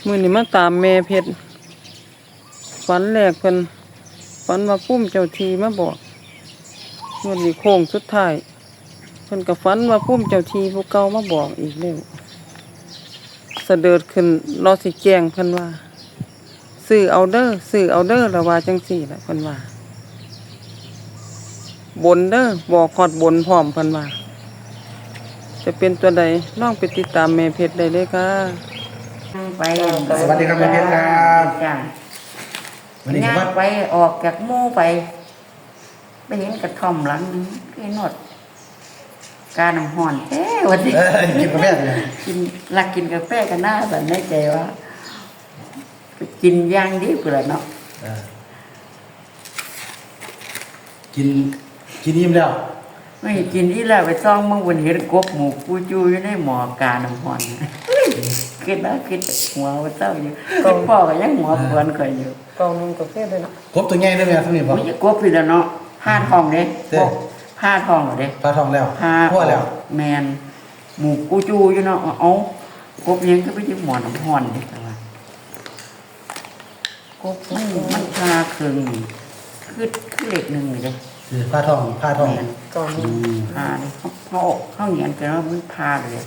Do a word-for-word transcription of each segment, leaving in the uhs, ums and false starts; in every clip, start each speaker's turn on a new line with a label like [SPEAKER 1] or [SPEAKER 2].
[SPEAKER 1] มื้อนี้มาตามแม่เพชรฝันแรกเพิ่นฝันว่าพุ่มเจ้าทีมาบอกวันนี้โค้งสุดท้ายเพิ่นก็ฝันว่าพุ่มเจ้าทีผู้เก่ามาบอกอีกแล้วเสด็จขึ้นรอสิแจ้งเพิ่นว่าซื้อเอาเด้อซื้อเอาเด้อแล้วว่าจังซี่ล่ะเพิ่นว่าบนเด้อบอกฮอดบนพร้อมเพิ่นว่าจะเป็นตัวใดลองไปติดตามแม่เพชรได้เลยค่ะ
[SPEAKER 2] ไป
[SPEAKER 3] สวัสดีครับแม่เพชรครับ
[SPEAKER 2] จ้า
[SPEAKER 3] วันนี้
[SPEAKER 2] ย่าง
[SPEAKER 3] ว่า
[SPEAKER 2] ไปออกจากหมู่ไปไปเห็นกระท่อมหลังนึงคือนวดกาน้ำห่อนเอ๊ะวันนี้
[SPEAKER 3] เออกินกาแฟเลย
[SPEAKER 2] กินรักกินกาแฟกันหน้าสันในใจว่าไปกินย่างดีกว่าเนาะ
[SPEAKER 3] เออกินกินอิ่มแล้ว
[SPEAKER 2] ไม่กินที่แล้วไปซ่องมึงวันเห็นกบหมูกูจูอยู่ในหมอกาน้ำห่อนคิดนะคิดหัวเจ้าอยู่คิดพ่อก็ยังหัวปวนข่อยอยู่
[SPEAKER 1] กองนึงกาแฟได้นะ
[SPEAKER 3] ครบตัวใหญ่ได้ไหมครับนี่บ่
[SPEAKER 2] โอ้ยกบพี่แล้วเนาะผ้าทองเด้
[SPEAKER 3] เด้
[SPEAKER 2] ผ้าทองเหรอเด้
[SPEAKER 3] ปลาทองแล้ว
[SPEAKER 2] ผ้า
[SPEAKER 3] ทั่วแล้ว
[SPEAKER 2] แมนหมูกูจูอยู่เนาะเอากบยังก็ไปยึดหมอนน้ำห่อนเด้แต่ว่ากบมันมันพาเครื่องนี่คือคือเหล็กหนึ่งเลยเด้
[SPEAKER 3] คือปลาทองปลาทอง
[SPEAKER 2] แมน
[SPEAKER 1] กองนึ
[SPEAKER 3] อื
[SPEAKER 1] ง
[SPEAKER 3] ม
[SPEAKER 2] พาเลยเขาเขาเขาเหยียนกันว่ามันพาเลย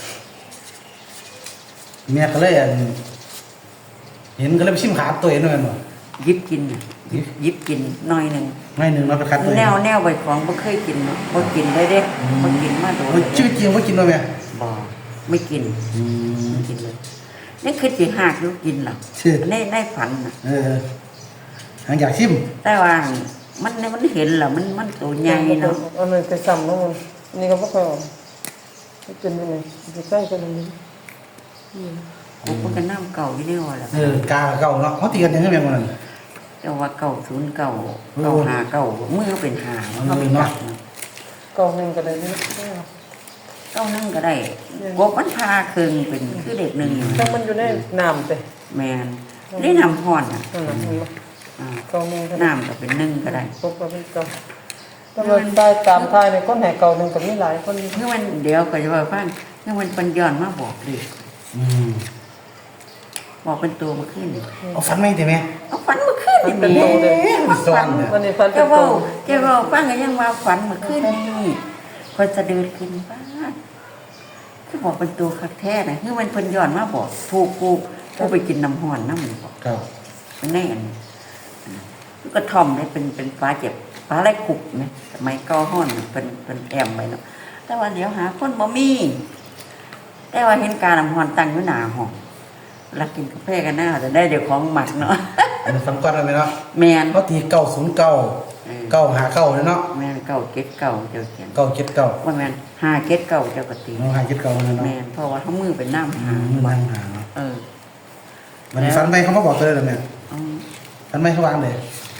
[SPEAKER 3] แม่ก็เลยอันเห็นก็เลยไปชิมขาตัวเองด้วยกันบ่
[SPEAKER 2] ยิบกินน่ะยิบยิบกินหน่อยหนึ่ง
[SPEAKER 3] ไม่หนึ่งเราไปคัดตัวเอง
[SPEAKER 2] แนวแนวใบของบ่เคยกินเนาะบ่กินเลยเด้บ่กินมาโดน
[SPEAKER 3] โอ้ยชื่อจริงว่ากินบ่แม่
[SPEAKER 2] บ่ไม่กิน
[SPEAKER 3] อืม
[SPEAKER 2] ไม่กินเลยนี่คือสิหากอยู่กินหรอก
[SPEAKER 3] ชื่อ
[SPEAKER 2] ในในฝันน่ะ
[SPEAKER 3] เออหางอยากชิม
[SPEAKER 2] แต่ว่ามันมันเห็นแล้วมันมันตัวใหญ่เนาะ
[SPEAKER 1] อันนี้ไปซ้ำเนาะมันนี่ก็บ่ค่อยออกไปกินไปนี่ไปใกล้กันนี่
[SPEAKER 2] ผมก็น้ำเก่าอยู่ในว่าแหละ
[SPEAKER 3] เออกาเก่าเนาะเขาตีกันยังไงแม่งมัน
[SPEAKER 2] แต่ว่าเก่าศูนย์เก่าเก่าหาเก่ามือเป็นหาเขาเป็นจับเนาะ
[SPEAKER 1] กองนึงก็ได้นี่
[SPEAKER 2] เก้านั่งก็ได้กบมันพาเครื่องเป็นคือเด็กหนึ่งอยู่
[SPEAKER 1] ถ้ามันอยู่ในน้ำเด้
[SPEAKER 2] แมนได้นำพรอ่ะ
[SPEAKER 1] นั่นน่ะมันบ่
[SPEAKER 2] อ่าก
[SPEAKER 1] องนึงก็ได้
[SPEAKER 2] น้ำก็เป็นหนึ่งก็ได้
[SPEAKER 1] พบก็เป็นกองถ้ามันได้ตามทายในคนแห่เก่านึงก็มีหลายคน
[SPEAKER 2] เมื่อวันเดียวก็จะว่าฟังเมื่อวันปัญญอนมาบอกเลย
[SPEAKER 3] อืม
[SPEAKER 2] บอกเป็นตัวมาขึ้น
[SPEAKER 3] เอาฟันไม่ได้ไหม
[SPEAKER 2] เอาฝันมาขึ้น
[SPEAKER 1] มันเป็น
[SPEAKER 2] แห
[SPEAKER 1] โตเลย
[SPEAKER 2] มาฝัน
[SPEAKER 1] วันนี้ฟันเป็
[SPEAKER 2] เจ้าน
[SPEAKER 1] โต
[SPEAKER 2] เว่าเจ้าเว่าฟังก็ยังว่าฝันมาขึ้นนี่คนจะเดินขึ้นบ้านคือบอกเป็นตัวคักแท้นะคือมันเพิ่นย้อนมาบอกถูกกูกูไปกินน้ำห่อนน้ำมันบอก
[SPEAKER 3] ครับ
[SPEAKER 2] เป็นแน่นก็ทอมเนี่ยเป็นเป็นฟ้าเจ็บฟ้าไรขุกเนี่ยสมัยเก้าห้อนเป็นเป็นแอมไปเนาะแต่ว่าเดี๋ยวหาคนบ่มีแต่ว่าเห็นการน้ำห่อนตั้งอยู่หน้าห้องรักกินกาแฟกันหน้าจะได้เดี๋ยวของหมักเนาะ
[SPEAKER 3] มันฟังก่อนได้ไหมเนาะ
[SPEAKER 2] แมน
[SPEAKER 3] เขาตีเก้าศูนย์เก้าเก้าหาเก้าเลยเนาะ
[SPEAKER 2] แมนเก่าเก็ดเก่าเจ้าเขียน
[SPEAKER 3] เก้าเจ็ดเก้า
[SPEAKER 2] ว่าแมนหาเก็ดเก่าเจ้ากติ
[SPEAKER 3] น้องหาเจ็ดเก้าเลย
[SPEAKER 2] แม
[SPEAKER 3] เนาะ
[SPEAKER 2] นเพราะว่าเขามือเป็นน้ำ
[SPEAKER 3] อื
[SPEAKER 2] หาม
[SPEAKER 3] มันนั่งหาเนาะ
[SPEAKER 2] เออ
[SPEAKER 3] วันนี้ฟันไปเขามาบอกตัวเลยเหรอแม่
[SPEAKER 2] เอา
[SPEAKER 3] ฟันไปเขาวางเลย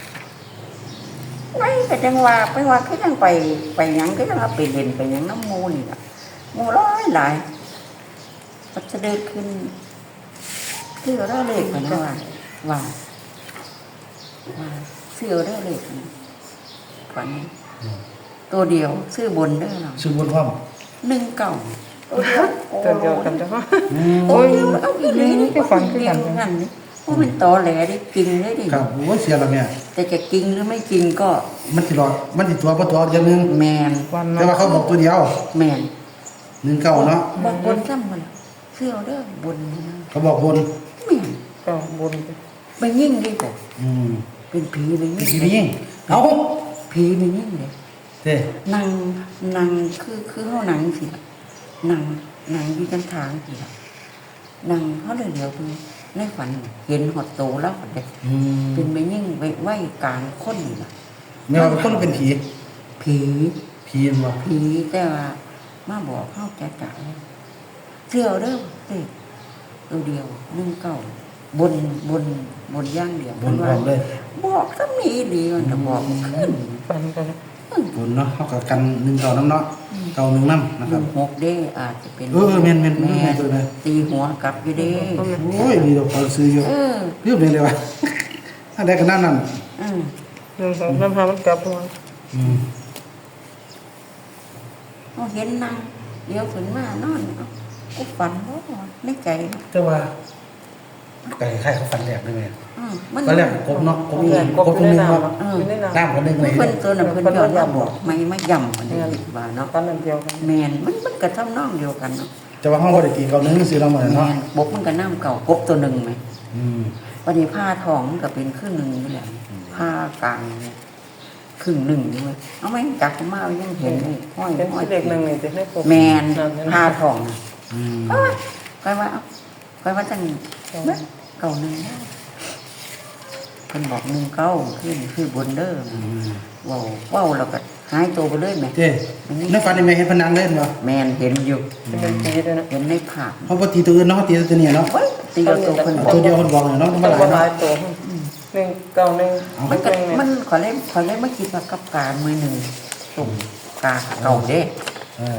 [SPEAKER 2] ไม่แต่จังว่าไปว่าคือยังไปไปหยังก็ยังเอาไปเล่นไปหยังน้ำมูนี่ล่ะมูร้อยหลายมันจะเดินขึ้นเสื้อได้เลยกันนะว่าว่าว่าเสื้อได้เลยกันฝันตัวเดียวซื้อบนได้หรอ
[SPEAKER 3] ชื่อบนพร้อม
[SPEAKER 2] หนึ่งเก่าตัวเดียว
[SPEAKER 1] ตัวเดียวกันจ้ะ
[SPEAKER 3] อืม
[SPEAKER 2] โอ้ยเอาอีกเลยนี่
[SPEAKER 1] ก็ฝันคือกัน
[SPEAKER 2] เดียวกันนี่เพราะมันตอแหลได้กินได้ดิ
[SPEAKER 3] ครับโอ้ยเสียแล้วแม่
[SPEAKER 2] แต่จะกินหรือไม่กินก็
[SPEAKER 3] มันติดรอดมันติดตัวเพราะตัวอย่างหนึง
[SPEAKER 2] แมน
[SPEAKER 1] วัน
[SPEAKER 3] แต่ว่าเขาบอกตัวเดียว
[SPEAKER 2] แมน
[SPEAKER 3] หนึ่งเก้าเนาะ
[SPEAKER 2] บางบนซ้ำมันเสื้อเด้อบนนี่นะ
[SPEAKER 3] เขาบอกบน
[SPEAKER 2] แม่น
[SPEAKER 1] ก็บน
[SPEAKER 2] ไปยิ่งดีกว่า
[SPEAKER 3] อืม
[SPEAKER 2] เป็นผีไปยิ่ง
[SPEAKER 3] ทีนี้ยิ่งเอา
[SPEAKER 2] ผีไปยิ่งเลย
[SPEAKER 3] เด้
[SPEAKER 2] นางนางคือคือเขาหนังสิล่ะนางนางอยู่จันทางสิล่ะนางเขาเลยเดี๋ยวดูในฝันเห็นหดโตแล้วเด็ก
[SPEAKER 3] อืม
[SPEAKER 2] เป็นไปยิ่งไว้ไว้กลางคนนี่ล่ะ
[SPEAKER 3] แม่ว่าเป็นคนหรือเป็นผี
[SPEAKER 2] ผี
[SPEAKER 3] ผีบ่
[SPEAKER 2] ผีแต่ว่ามาบอกเข้าแก่จ่ายเสื้อเด้อเด็กตัวเดียวนึ่งเก่าบนบนบนย่างเดียว
[SPEAKER 3] บนพร้อมเลย
[SPEAKER 2] บอกถ้ามีดีมันจะบอกมันขึ้น
[SPEAKER 1] ฟันกัน
[SPEAKER 3] บนเนาะเขากับกันหนึ่งเก้าน้ำเนาะเก้าหนึ่งน้ำนะ
[SPEAKER 2] ห
[SPEAKER 3] ครับ
[SPEAKER 2] นึ่งหกเด้อาจจะเป็น
[SPEAKER 3] เออแม่นแม่นแม่
[SPEAKER 2] แม่
[SPEAKER 3] นตัวเลย
[SPEAKER 2] ตีหัวกลับอยู่เด้
[SPEAKER 3] โอ้ยมีดอกเขาซื้ออยู่
[SPEAKER 2] เออ
[SPEAKER 3] เรียบเลยเลยวะอันใดกันนั่นนั่น
[SPEAKER 2] อืม
[SPEAKER 1] หนึ่งสองสามห้ามันกลับมา
[SPEAKER 3] อืม
[SPEAKER 2] เขาเห็นนางเดี๋ยวฝนมานอนเอากูฝันว่าในใจ
[SPEAKER 3] แต่ว่าไก่ไข่เขาฟันแหลกด้วยไหม
[SPEAKER 2] อืมมัน
[SPEAKER 3] ก็แหลกกบเนาะกบ
[SPEAKER 1] เพื่อน
[SPEAKER 3] กบตัวนึงเนาะ
[SPEAKER 2] เออ
[SPEAKER 1] อยู่ในน้ำ
[SPEAKER 3] น้ำคนนึงเลย
[SPEAKER 2] เพิ่นตัวน่ะเพิ่นยอมรับบอกไม่ไม่ย่ำอันนี้ว่าเนาะ
[SPEAKER 1] ฟันอันเดียวกัน
[SPEAKER 2] แม่นมันมันก็ทำนองเดียวกันเนาะ
[SPEAKER 3] จะว่าห้องบริตีเขานึงซื้อเราเหมือน
[SPEAKER 2] แม่
[SPEAKER 3] เนาะ
[SPEAKER 2] นบกมันก็น้ำเก่ากบตัวหนึงไหม
[SPEAKER 3] อืม
[SPEAKER 2] วันนี้ผ้าทองมันก็เป็นครึ่งหนึงนี่แหละผ้ากลางเนี่ยครึ่งหนึงนี่เว้ยเอาไหมจักมาเอายังเห็นนี่ห้อย
[SPEAKER 1] เป็น
[SPEAKER 2] ห้อย
[SPEAKER 1] เด็กหนึ่งนี่จะให้ปก
[SPEAKER 2] แม่น
[SPEAKER 1] นั่น
[SPEAKER 2] ผ้าทองน่ะ
[SPEAKER 3] อืม
[SPEAKER 2] ก็ว่าก็ว่าเอาก็ว่าจังเบิ่งเก่าหนึงได้เพิ่นบอกหนึ่งเก้าขึ้นคือบนเด้อ
[SPEAKER 3] อืม
[SPEAKER 2] ว้าวว้าวแล้วก็หายตัวไปเลยแม่
[SPEAKER 3] เจ้ในฟันนี่แม่เห็นพนังเล่นบ่
[SPEAKER 2] แม่นเห็นอยู่
[SPEAKER 1] เป็นปีด้วยนะ
[SPEAKER 2] เห็นในภาพ
[SPEAKER 3] เขาปกติตัวอื่นเนาะเขาตีตัวนี้เนาะ
[SPEAKER 2] เว้ยตีเอาตัวเพิ่นบอ
[SPEAKER 3] ตั
[SPEAKER 2] ก
[SPEAKER 3] วเดียวคนบอกเลยเนาะมา
[SPEAKER 1] ต้อง
[SPEAKER 3] หลาย
[SPEAKER 1] มาหลา
[SPEAKER 3] เนาะ
[SPEAKER 1] ยตัวหนึ่งเก้าหนึ่ง
[SPEAKER 2] มันก็
[SPEAKER 1] หนึ่ง
[SPEAKER 2] มันขอเล่นขอเล่นมาคิดว่ากับการมือหนึ่งตุ่มกาเก่าเด้
[SPEAKER 3] เออก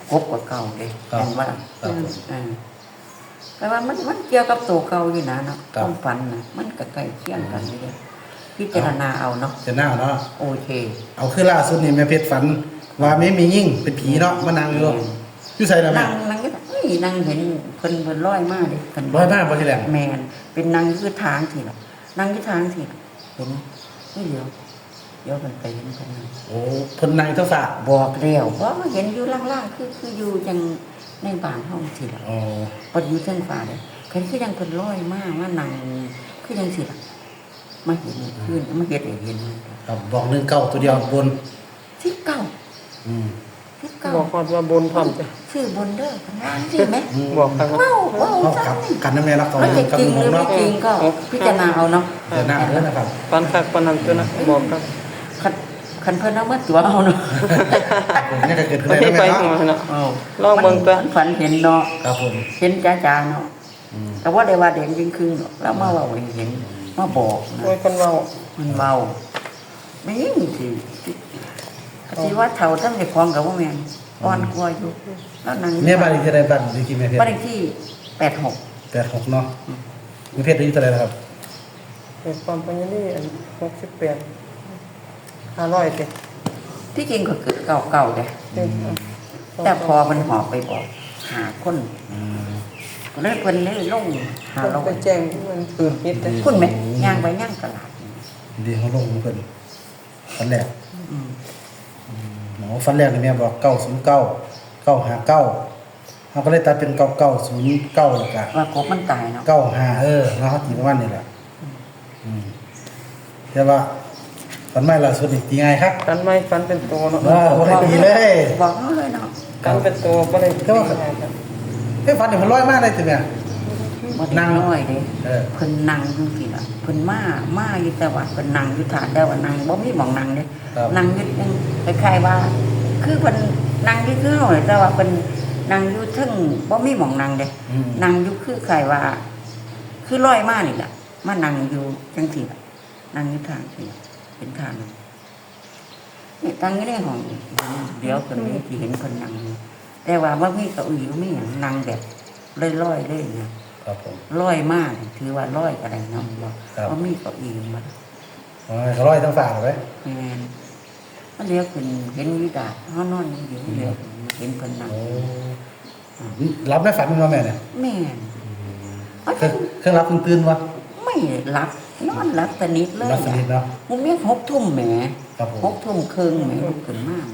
[SPEAKER 2] บกว่าเก่าเด้
[SPEAKER 3] ครับ
[SPEAKER 2] เห็นว่า
[SPEAKER 3] ครับ
[SPEAKER 2] เออแต่ว่ามันมันเกี่ยวกับตัวเก่าอยู่นะเนาะความฝันนะมันก็ใกล้เคียงกันอยู่เด้พิจารณาเอาเนาะ
[SPEAKER 3] จะหน้าเนาะ
[SPEAKER 2] โอเค
[SPEAKER 3] เอาคือล่าสุดนี่แม่เพชรฝันว่าไม่มียิ่งเป็นผีเนาะมานั่งอยู่อยู่ใส่แล้วแม่
[SPEAKER 2] นั่งนั่งก็เฮ้ยนั่งเห็นเพิ่นเพิ่นลอยมาเด้เพิ่น
[SPEAKER 3] ร้อยมากบ่ทีแหลง
[SPEAKER 2] แมนเป็นนางคือทางทีละนางคือทางทีละเห็นไม่เดียวเดี๋ยวมันไปเห็นคนนึง
[SPEAKER 3] โอ้เพิ่นนั่งเท่าฝาก
[SPEAKER 2] บอกแล้วเพราะว่าเห็นอยู่ล่างๆคือคืออยู่จังในบ้านห้องทีละ
[SPEAKER 3] อ๋อ
[SPEAKER 2] พออยู่เส้นฟ้าเลยเห็นคือยังคนลอยมากว่านางคือยังสิละมาเห็นขึ้นมาเห็นเห็น
[SPEAKER 3] ครับบอกหนึ่งเก้าตัวเดียวบน
[SPEAKER 2] ที่เก่า
[SPEAKER 3] อืม
[SPEAKER 2] ที่เก่า
[SPEAKER 1] บอกก่อนว่าบนพร้อมจะ
[SPEAKER 2] ชื่อบนเด้อข้างล่างใช่ไหม
[SPEAKER 3] อืม
[SPEAKER 1] บอกกันว่า
[SPEAKER 2] เว้าเว้า
[SPEAKER 3] เอา
[SPEAKER 2] จั
[SPEAKER 3] กลับ
[SPEAKER 2] งนี่
[SPEAKER 3] กันน้ำแม่รักต่อ
[SPEAKER 2] มัน
[SPEAKER 3] หนึ่
[SPEAKER 2] จะ
[SPEAKER 3] งกับ
[SPEAKER 2] จริ
[SPEAKER 3] ห
[SPEAKER 2] ง
[SPEAKER 3] นึ่ง
[SPEAKER 2] หรือ
[SPEAKER 3] เนาะ
[SPEAKER 2] ไม่จริงก็พิจารณาเอาเนาะ
[SPEAKER 3] เดี๋ยวหน้าเด้อนะครับ
[SPEAKER 1] ปันคักปันนังตัวนะบอกกัน
[SPEAKER 2] คันคันเพิ่นเอามาตัวเอาเนาะ
[SPEAKER 3] ผมนี่ก็เกิดขึ้น
[SPEAKER 1] ไม่
[SPEAKER 3] ได้
[SPEAKER 1] ได้
[SPEAKER 3] แล้ว
[SPEAKER 1] ไป
[SPEAKER 3] แม่
[SPEAKER 1] หัว
[SPEAKER 3] เนาะ
[SPEAKER 1] นะ
[SPEAKER 2] อ้าว
[SPEAKER 1] ลองเบิ่งตัว
[SPEAKER 2] มันฝันเห็นเนาะ
[SPEAKER 3] ครับผม
[SPEAKER 2] เห็นจ้าๆเนาะ
[SPEAKER 3] อืม
[SPEAKER 2] แต่ว่าได้ว่าเด่นจริงคือแล้วมาเว่าให้เห็นมาบอกนะ
[SPEAKER 1] โอ้ยคนเว้า
[SPEAKER 2] มันเบาไม่ยิ่งสิสิว่าเท่าทั้งในคลองกับว่าแม่นอ่อนกว่าอยู่แล้วนาง
[SPEAKER 3] แม่บ้านอีกที่ใดบ้านดีกี่แม่เพชร
[SPEAKER 2] บ้านเลขที่แปดหก
[SPEAKER 3] แปดหกเนาะแม่เพชรอายุเท่าไหร่แล้วครับ
[SPEAKER 1] เป็นความปัญญานี่อันหกสิบแปดห้าร้อยสิ
[SPEAKER 2] ที่จริงก็เกิดเก่าเก่าๆเลย
[SPEAKER 1] เต็ม
[SPEAKER 2] แต่พอมันหอบไปบอก หาคน
[SPEAKER 3] อืม
[SPEAKER 2] ก็เลยเพิ่นเลยลงหา
[SPEAKER 1] คน
[SPEAKER 2] เรา
[SPEAKER 1] ไปแจ้งมันปืนพิษเลย
[SPEAKER 2] คุณไหมย่างไปย่างตลาด
[SPEAKER 3] ดีเขาลงเพิ่นฟันแรก
[SPEAKER 2] อืม
[SPEAKER 3] หมอฟันแรกนี่แม่บอกเก้าศูนย์เก้าเก้าห้าเก้าเขาก็เลยตัดเป็นเก้าเก้าศูนย์เก้าแล้วกัน
[SPEAKER 2] ว่ากบมันตายเนาะ
[SPEAKER 3] เก้าห้าเออเนาะเขาตีประมาณนี้แหละอืมแต่ว่าฟันไม่ล่าสุดนี่ตีไงครับ
[SPEAKER 1] กันไม่ฟันเป็นตัวเนาะ
[SPEAKER 3] ว้าวบ่ได้ตีเลย
[SPEAKER 2] บอกเขาเลยเนาะ
[SPEAKER 1] กันเป็นตัวก็เลย
[SPEAKER 3] แต่ว่าเฮ้ยฟันนี่มันร้อยมากเลยจ้ะแม่
[SPEAKER 2] บ่ได้
[SPEAKER 3] นั่ง
[SPEAKER 2] น้อยเด้
[SPEAKER 3] เออ
[SPEAKER 2] เพิ่นนั่งจังซี่ล่ะเพิ่นมามาอยู่แต่ว่าเพิ่นนั่งอยู่ฐานแต่ว่านั่งบ่มีหม่องนั่งเด้
[SPEAKER 3] ครับ
[SPEAKER 2] นั่งอยู่จังคล้ายๆว่า คือเพิ่นนั่งอยู่คือเฮาเนี่ยแต่ว่าเพิ่นนั่งอยู่เทึงบ่มีหม่องนั่งเด้
[SPEAKER 3] อืม
[SPEAKER 2] นั่งอยู่คือคล้ายว่า คือลอยมานี่ล่ะมานั่งอยู่จังซี่ล่ะนั่งอยู่ทางนี่เป็นทางนี่ตั้งอยู่ในห้องเดี๋ยวเพิ่นมีที่เห็นเพิ่นนั่งอยู่แต่ว่าบ่มีเก้าอี้บ่มีหยังนั่งแบบลอยๆเลยนะ
[SPEAKER 3] ครับผม
[SPEAKER 2] ร้อยมากถือว่าร้อยก็ได้เนาะบอก
[SPEAKER 3] ครับ
[SPEAKER 2] เพราะมีเก้าอี้มา
[SPEAKER 3] อ๋อเขาร้อยทั้งฝากเลย
[SPEAKER 2] แม่นมันเรียกเป็นเห็นวิดาเฮานอนอยู่เรียกเห็นเพิ่นนั่ง
[SPEAKER 3] โอ้รับได้ฝันมั้ยแม่เนี่ย
[SPEAKER 2] แม่น
[SPEAKER 3] เครื่องเครื่องรับเครื่องตื่นวะ
[SPEAKER 2] ไม่รับนอนรับสนิทเลย
[SPEAKER 3] รับสนิทเนาะ
[SPEAKER 2] มุมเมียหกทุ่มแหม
[SPEAKER 3] ครับผม
[SPEAKER 2] หกทุ่มครึ่งแหมลุกขึ้นมา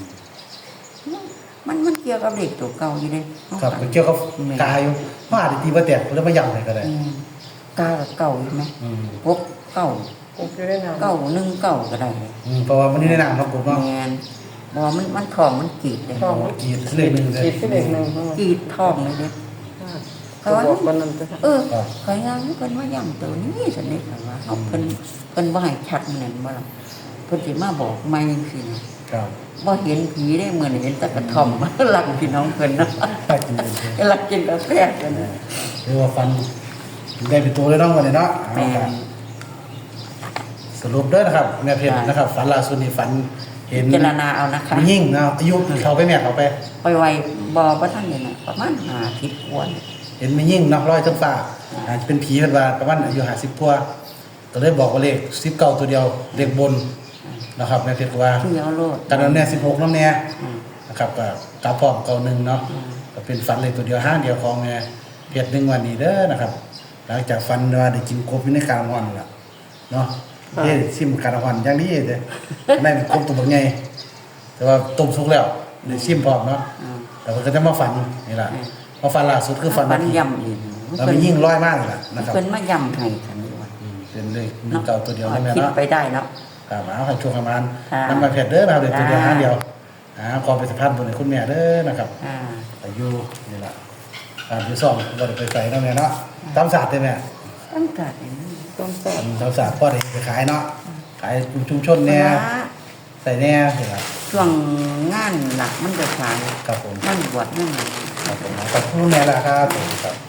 [SPEAKER 2] มันมันเกี่ยวกับเด็กตัวเก่าอยู่เด้
[SPEAKER 3] ครับมันเกี่ยวกับกายอยู่เพราะอาจจะตีว่าแตกแล้วมาย่ำเลยก็ได้
[SPEAKER 2] แม่นกากับเก่าอยู่ไหม
[SPEAKER 3] อืม
[SPEAKER 2] พบเก่า
[SPEAKER 1] ปลูกอยู่ได้นาน
[SPEAKER 2] เก่าหนึ่งเก่าก็ได้
[SPEAKER 3] อืมเพราะว่ามันนี่ในน้ำเนาะผมเนาะ
[SPEAKER 2] แม่นบอกมันมันทองมันกรีดเลย
[SPEAKER 1] ท้อง
[SPEAKER 3] กรีดเลขหนึ่งเลย
[SPEAKER 1] ขีดที่เด็กหนึ่ง
[SPEAKER 2] กรีดทองเลยเนี่ย
[SPEAKER 1] เขาบอกวันนั้นจะ
[SPEAKER 2] เออใครงานเพิ่นว่าย่ำตัวนี้สนิทกันว่าเอาเพิ่นเพิ่นบ่ให้ชัดมันนั่นบ่ล่ะเพิ่นสิมาบอกไม่จังซี่นะครับ บ่เห็นผีได้เหมือนเห็นแตะกระท่อม หลักพี่น้องเพิ่นเนาะ
[SPEAKER 3] ใช่จริงเลย
[SPEAKER 2] หลักกินกาแฟกันนะ
[SPEAKER 3] เรียกว่าฟันได้เป็นตัวเลยเนาะวันนี้เนาะ
[SPEAKER 2] แม่น
[SPEAKER 3] สรุปเด้อนะครับแม่เพชรนะครับฝันล่าสุดนี่ฝันเห็น
[SPEAKER 2] พิจารณาเอานะคะ
[SPEAKER 3] มียิ่งเนาะอายุเขาไปแม่เขาไป
[SPEAKER 2] ไปไวบ่บ่ทันนี่น่ะประมาณห้าสิบกว่าเนี่ย
[SPEAKER 3] เห็นมียิ่งเนาะร้อยทั้งฟ้าอาจจะเป็นผีเป็นว่าประมาณอายุห้าสิบกว่าก็เลยบอกว่าเลขสิบเก้าตัวเดียวเลขบนนะครับแม่เพชรก็ว่า
[SPEAKER 2] ที่เอาโลด
[SPEAKER 3] กันนั้นแน่สิบหกน้ำแน่
[SPEAKER 2] อืม
[SPEAKER 3] นะครับก็กลับพร้อมเก่าหนึ่งเนาะ
[SPEAKER 2] อืม
[SPEAKER 3] ก็เป็นฝันเลยตัวเดียวห้างเดียวของแม่เพชรหนึ่งวันนี้เด้อนะครับหลังจากฟันว่าได้กินกบอยู่ในการวันล่ะเนาะเฮ้ซิมการวันอย่างนี้เด้นั่นกบตัวบักใหญ่แต่ว่าต้มสุกแล้วได้ซิมพร้อมเนาะ
[SPEAKER 2] อ่า
[SPEAKER 3] แต่ว่าก็จะมาฝันนี่ล่ะพอฝันล่าสุดคือฝัน
[SPEAKER 2] ฟันย่ำอีก
[SPEAKER 3] เราไปยิ่งร้อยมากเลยล่ะนะครับ
[SPEAKER 2] เพิ่นมาย่ำให้ฉันด้วย
[SPEAKER 3] อืมเป็นเลยมีเก่าตัวเดียวได้ไหม
[SPEAKER 2] คิด
[SPEAKER 3] เนาะ
[SPEAKER 2] ไปได้เนาะ
[SPEAKER 3] ครับเอาให้ช่วงประมาณ
[SPEAKER 2] ค่ะ
[SPEAKER 3] น้ำมันเผ็ดเด้อนะครับเดี๋ยวตัวเดียว
[SPEAKER 2] จ้า
[SPEAKER 3] ห้าเดียวอ่าขอไปสัมภาษณ์บนคุณแม่เด้อนะครับ
[SPEAKER 2] อ่า
[SPEAKER 3] อายุนี่ล่ะอ่าอยู่ซ่องบ่ได้ไปใส่เนาะแม่เนาะตามศาสตร์ได้แม่
[SPEAKER 2] ตั้งแต่นี้
[SPEAKER 1] ต้องสอน
[SPEAKER 3] ตามศาสตร์พ่อได้ไปขายเนาะขายชุมชนเนี่ยใส่แน่นี่ล่ะ
[SPEAKER 2] ช่วงงานหลักมันจะขาย
[SPEAKER 3] ครับผม
[SPEAKER 2] มันบวชนั่น
[SPEAKER 3] ครับผมขอบคุณแม่ล่ะครับผมครับ